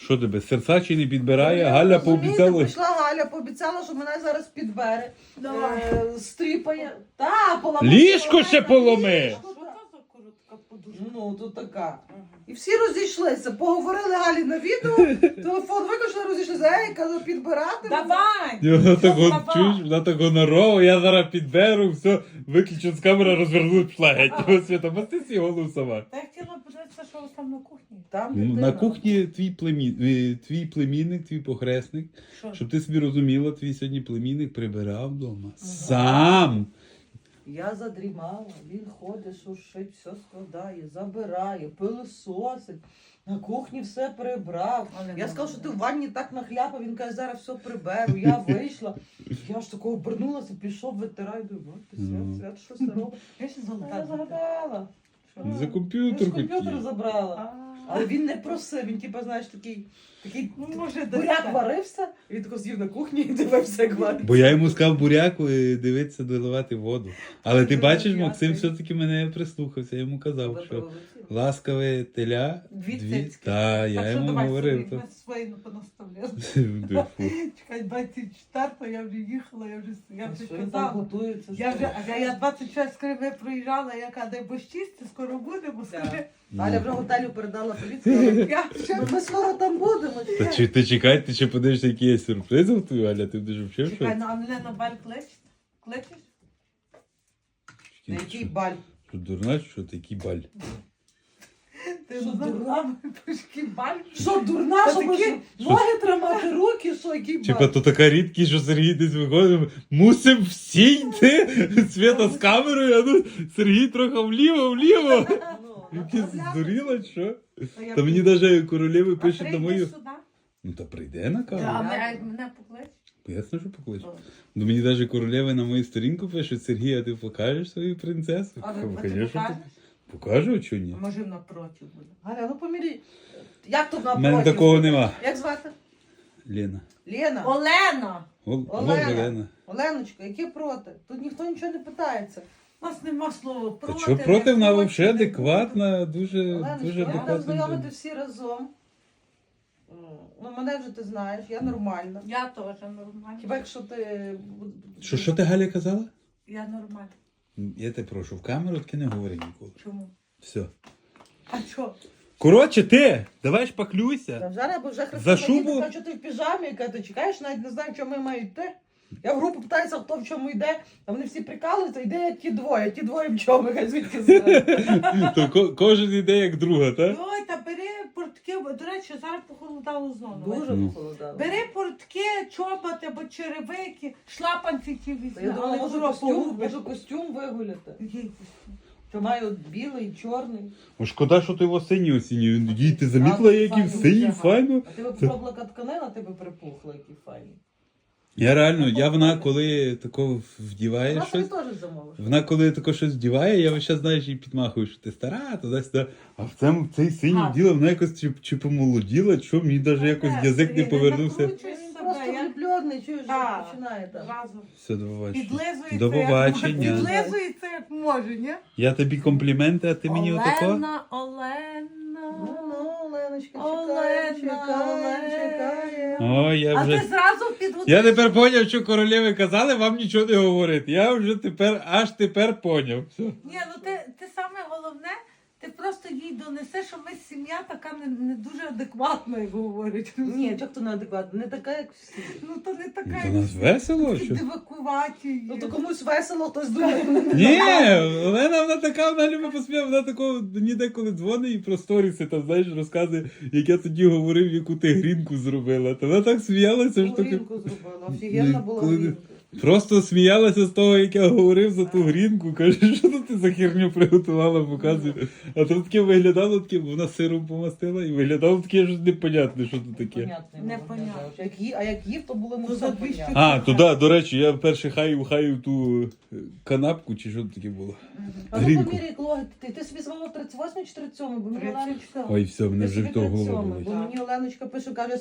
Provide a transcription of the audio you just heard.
Що тебе, серця чи не підбирає? Ну, Галя розумієте, пообіцяла. Прийшла Галя, пообіцяла, що мене зараз підбере. Давай. Стріпає. Та, поламає. Ліжко ще поломи! Ліжко, Що та. то за коротка подушка? Ну, то така. І всі розійшлися, поговорили Галі на відео, телефон виключили, розійшлися, ей, кажу, підбирати. Давай! Вона так Що от, слаба? чуєш, вона так гонорова, я зараз підберу, все, виключу з камери, розверну, пішла геть. Ось Свята, масти свій голову сама. Та я хотіла подивитися, що у вас там на кухні. Там Ну, дитина. на кухні твій племінник, твій похресник, Що? щоб ти собі розуміла, твій сьогодні племінник прибирав вдома. Сам! Я задрімала, він ходить, шуршить, все складає, забирає, пилососить. На кухні все прибрав. Але Я сказала, добре. що ти в ванні так нахляпав, він каже, зараз все приберу. Я вийшла. Я ж такого обернулася, пішов, витираю, думаю, ти свят, що це робить? Я ще А золота. я згадала. Що? За Я комп'ютер ж комп'ютер хотів. забрала. Але він не просив, він типа, знаєш, такий Ну, може, буряк десь варився, і він тако сів на кухні і дивився, як варить. Бо я йому сказав буряку і дивитися, доливати воду. Але ти Дуже бачиш, дякую. Максим все-таки мене прислухався, я йому казав, що ласкаве теля, Дві дві. цицьки. Та, я Так що йому давай говорив. собі, ми свої не понаставляли. Фу. Чекай, 24-го я вже їхала, я вже Що він там казала. готується? Я вже, а я 26 криве проїжджала, яка дай бо чисті, скоро будемо, скажи. Галя вже готелю передала поліцію. Я ще Ми скоро там будемо. Та чи ти чекай, ти ще подивишся, які є сюрпризи в твою, Аля, ти будеш вчив чекай, щось? ну а мене на баль кличеш? На який баль? Що дурна, чи що такий баль? Ти Що, не дурна? знала, який баль? Що, дурна, Та що такі- ноги тримати, руки, що, який баль? Типа, то така рідкість, що Сергій десь виходить, мусим всі йти, Свята з камерою, а ну Сергій трохи вліво. Ну, Ти здуріла, чи що? А я Та мені прийду. навіть королеви А пишуть на прийдеш мою. сюди? Ну та прийде на А камеру. мене поклич? Ясно, що покличе. Ну мені навіть королеви на мою сторінку пишуть, Сергій, а ти покажеш свою принцесу? А Кажу, ти «Конечно, покажеш? покажу, а чого ні? А може напроти буде? Галя, ну помірі. Як тут У мене напротив? такого нема. Як звати? Лена. Лена. Олена! Олена. Оленочка, які проти? Тут ніхто нічого не питається. У нас нема слова Та проти. що проти, вона не взагалі проти. адекватна, дуже Оленочка, я будемо адекватна. знайомити людина. всі разом. Ну, мене вже ти знаєш, я нормальна. Я теж нормальна. Хіба якщо ти... Що ти, Галя, казала? Я нормальна. Я тебе прошу, в камеру таки не говори ніколи. Чому? Все. А що? Коротше, ти, давай Та шпаклюйся. зараз, бо вже За Христина шубу? каже, що ти в піжамі, яка ти чекаєш, навіть не знаю, чому ми мають йти. Я в групу питаюся, хто в чому йде, а вони всі прикалуються, йде ті двоє в чому, хай звідки знають. То кожен іде як друга, так? Ой, та бери портки, до речі, зараз похолодало знову. Дуже Ну. похолодало. Бери портки, чоботи або черевики, шлапанці ті візьми. Я думала, але можу куди костюм, погубиш? можу костюм вигуляти. Який костюм? Що маю білий, чорний. О, шкода, що ти його синій осінній. Їй, ти замітила, який Файно, синій, дуже файно? А ти би попробувала тканина, ти би припухла, який файний. Я реально, вона коли тако вдіває Вона собі щось, теж замовиш. вона коли тако щось вдіває, я весь час, знаєш, їй підмахую, що ти стара, туди-сюди. А в цей синій А. діло, вона якось чи помолоділа, чи що, мені навіть якось язик не повернувся. накручуй Він себе, просто я влюблений, чуєш, Так. починає там. разом. Все, до побачення. Підлизується, До побачення. як може. Підлизується, як може, ні? Я тобі компліменти, а ти мені отако? Олена. Ну, Оленочка, Олена, чекає. О, я А вже... ти зразу підготуєш. Я тепер поняв, що королеви казали, вам нічого не говорити. Я вже аж тепер поняв. Все. Ні, ну ти саме головне, ти просто їй донесеш, що ми сім'я така не дуже адекватна, як говорять. Ні, як то неадекватно, не така, як всі. Ну то не така, То як нас всі. весело, Такі що? дивакуваті. Ну то комусь весело, хтось думає. Ні, Олена, вона така, вона любить посміяти, вона такого мені деколи дзвонить і про сторіси, там, знаєш, розказує, як я тоді говорив, яку ти грінку зробила. Та вона так сміялася, що таке. Грінку зробила, офігенна була Коли- грінка. Просто сміялася з того, як я говорив за ту грінку. Каже, що тут ти за херню приготувала, показує. А то таке виглядало таке, бо вона сиром помастила і виглядало таке щось непонятне, що тут таке. Непонятно. Непонятно. А як їв, то було То все за 200 понятно. А, туди, до речі, я вперше хаю ту канапку, чи що таке було. А ну Грінку. поміряй, Клоги, ти собі звала 38 чи 37, бо мені 37. Оленочка... Ой, все, мене Ти вже собі від того голова 37, болить. бо мені Оленочка пише, каже,